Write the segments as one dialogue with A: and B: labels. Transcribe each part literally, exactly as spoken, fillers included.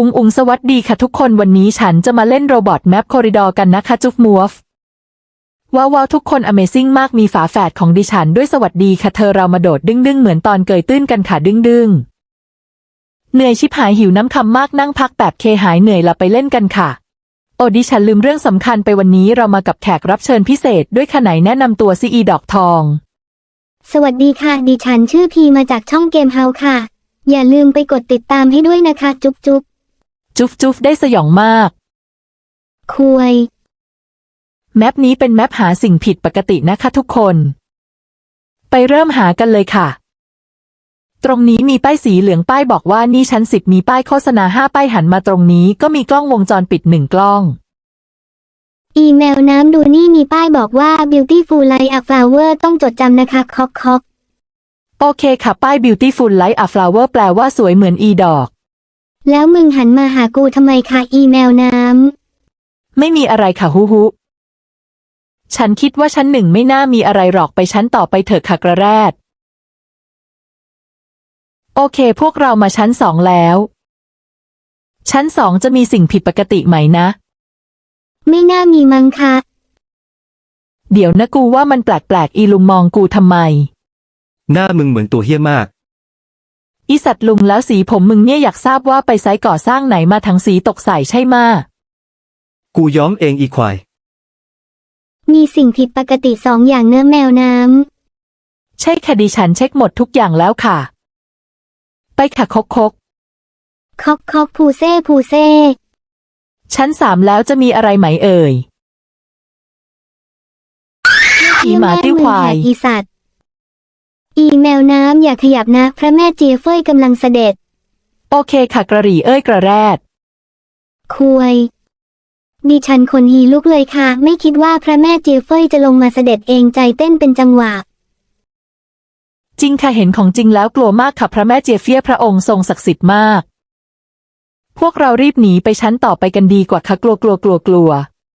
A: อุงอุงสวัสดีค่ะทุกคนวันนี้ฉันจะมาเล่นโรบอทแมปคอริดอร์กันนะคะจุ๊บมัวฟว้าวว้าวทุกคน Amazing มากมีฝาแฝดของดิฉันด้วยสวัสดีค่ะเธอเรามาโดดดึงดึงเหมือนตอนเกยตื้นกันค่ะดึงดึงเหนื่อยชิบหายหิวน้ำคำมากนั่งพักแบบเคหายเหนื่อยละไปเล่นกันค่ะโอ้ดิฉันลืมเรื่องสำคัญไปวันนี้เรามากับแขกรับเชิญพิเศษด้วยค่ะไหนแนะนำตัวซีอีดอกทอง
B: สวัสดีค่ะดิฉันชื่อพีมาจากช่องเกมเฮาค่ะอย่าลืมไปกดติดตามให้ด้วยนะคะจุ๊บจุ๊บ
A: จุ๊บจุ๊บได้สยองมาก
B: คุย
A: แมปนี้เป็นแมปหาสิ่งผิดปกตินะคะทุกคนไปเริ่มหากันเลยค่ะตรงนี้มีป้ายสีเหลืองป้ายบอกว่านี่ชั้นสิบมีป้ายโฆษณาห้าป้ายหันมาตรงนี้ก็มีกล้องวงจรปิดหนึ่งกล้อง
B: อีเมลน้ำดูนี่มีป้ายบอกว่า beautiful like a flower ต้องจดจำนะคะคอกคอก
A: โอเคค่ะป้าย beautiful like a flower แปลว่าสวยเหมือนอีดอก
B: แล้วมึงหันมาหากูทำไมคะอีเมลน้
A: ำไม่มีอะไรค่ะฮูฮูฉันคิดว่าชั้นหนึ่งไม่น่ามีอะไรหรอกไปชั้นต่อไปเถอะค่ะกระแรดโอเคพวกเรามาชั้นสองแล้วชั้นสองจะมีสิ่งผิดปกติไหมนะ
B: ไม่น่ามีมั้งคะ
A: เดี๋ยวนะกูว่ามันแปลกๆอีลุงมองกูทำไม
C: หน้ามึงเหมือนตัวเหี้ยมาก
A: อีสัตว์ลุงแล้วสีผมมึงเนี่ยอยากทราบว่าไปไซต์ก่อสร้างไหนมาทั้งสีตกใส่ใช่มา
C: กูย้อมเองอีควาย
B: มีสิ่งผิดปกติสองอย่างเนื้อแมวน้
A: ำใช่ค่ะดิฉันเช็คหมดทุกอย่างแล้วค่ะไปค่ะคกคก
B: คอกคอกพูเซ่พูเซ่
A: ชั้นสามแล้วจะมีอะไรไหมเอ่ยอีหมาติ้วควาย
B: อีสัตว์อีแมวน้ำอย่าขยับนะพระแม่เจียเฟ้ยกำลังเสด็จ
A: โอเคค่ะกระหรี่เอ้ยกระแรด
B: คุยดิฉันคนฮีลุกเลยค่ะไม่คิดว่าพระแม่เจียเฟ้ยจะลงมาเสด็จเองใจเต้นเป็นจังหวะ
A: จริงค่ะเห็นของจริงแล้วกลัวมากค่ะพระแม่เจียเฟียพระองค์ทรงศักดิ์สิทธิ์มากพวกเรารีบหนีไปชั้นต่อไปกันดีกว่าค่ะกลัวกลัวกลัวกลัว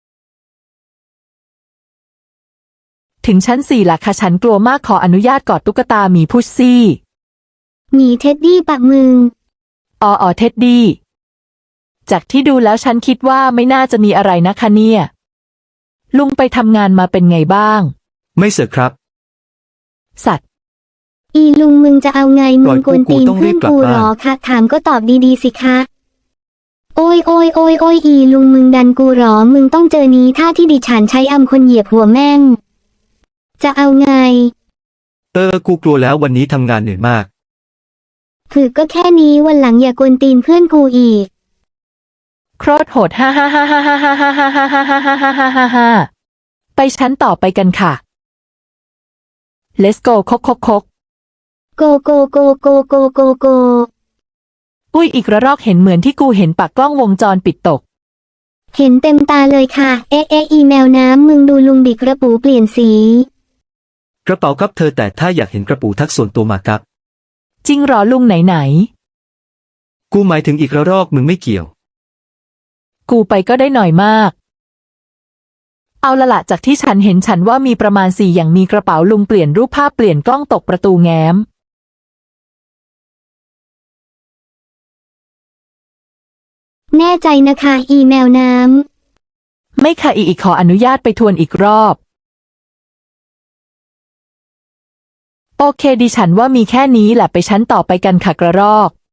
A: ถึงชั้นสี่ละค่ะฉันกลัวมากขออนุญาตกอดตุ๊กตาหมีพุชซี่
B: หมีเท็ดดี้ปักมึง
A: อ๋ออ๋อเท็ดดี้จากที่ดูแล้วฉันคิดว่าไม่น่าจะมีอะไรนะคะเนี่ยลุงไปทำงานมาเป็นไงบ้าง
C: ไม่เสร็จครับ
A: สัตว์
B: อีลุงมึงจะเอาไงมึงกวนตีนเพื่อนกูหรอคะถามก็ตอบดีๆสิคะโอ้ยโอ้ยโอ้ยโอ้ยอีลุงมึงดันกูหรอมึงต้องเจอนี้ท่าที่ดิฉันใช้อำคนเหยียบหัวแม่งจะเอาไง
C: เออกูกลัวแล้ววันนี้ทำงานเหนื่อยมาก
B: ฝึกก็แค่นี้วันหลังอย่ากวนตีนเพื่อนกูอีก
A: โคตรโหดฮ่าฮ่าฮ่าฮ่าฮ่าฮ่าฮ่าฮ่าฮ่าฮ่าฮ่าฮ่าฮ่าฮ่าฮ่าฮ่าไปชั้นต่อไปกันค่ะ Let's go คกคกคก
B: โกโกโกโกโกโกโก
A: อุ้ยอีกระรอกเห็นเหมือนที่กูเห็นปากกล้องวงจรปิดตก
B: เห็นเต็มตาเลยค่ะเอ๊ะเอ๊ะอีแมวน้ำมึงดูลุงดิกระปูเปลี่ยนสี
C: กระเป๋าครับเธอแต่ถ้าอยากเห็นกระปูทักส่วนตัวมาครับ
A: จริงหรอลุงไหนไหน
C: กูหมายถึงอีกระรอกมึงไม่เกี่ยว
A: กูไปก็ได้หน่อยมากเอาละละจากที่ฉันเห็นฉันว่ามีประมาณสี่อย่างมีกระเป๋าลุงเปลี่ยนรูปภาพเปลี่ยนกล้องตกประตูแง้ม
B: แน่ใจนะคะอีแมวน้
A: ำไม่ค่ะอีอีขออนุญาตไปทวนอีกรอบโอเคดิฉันว่ามีแค่นี้แหละไปชั้นต่อไปกันค่ะกระรอก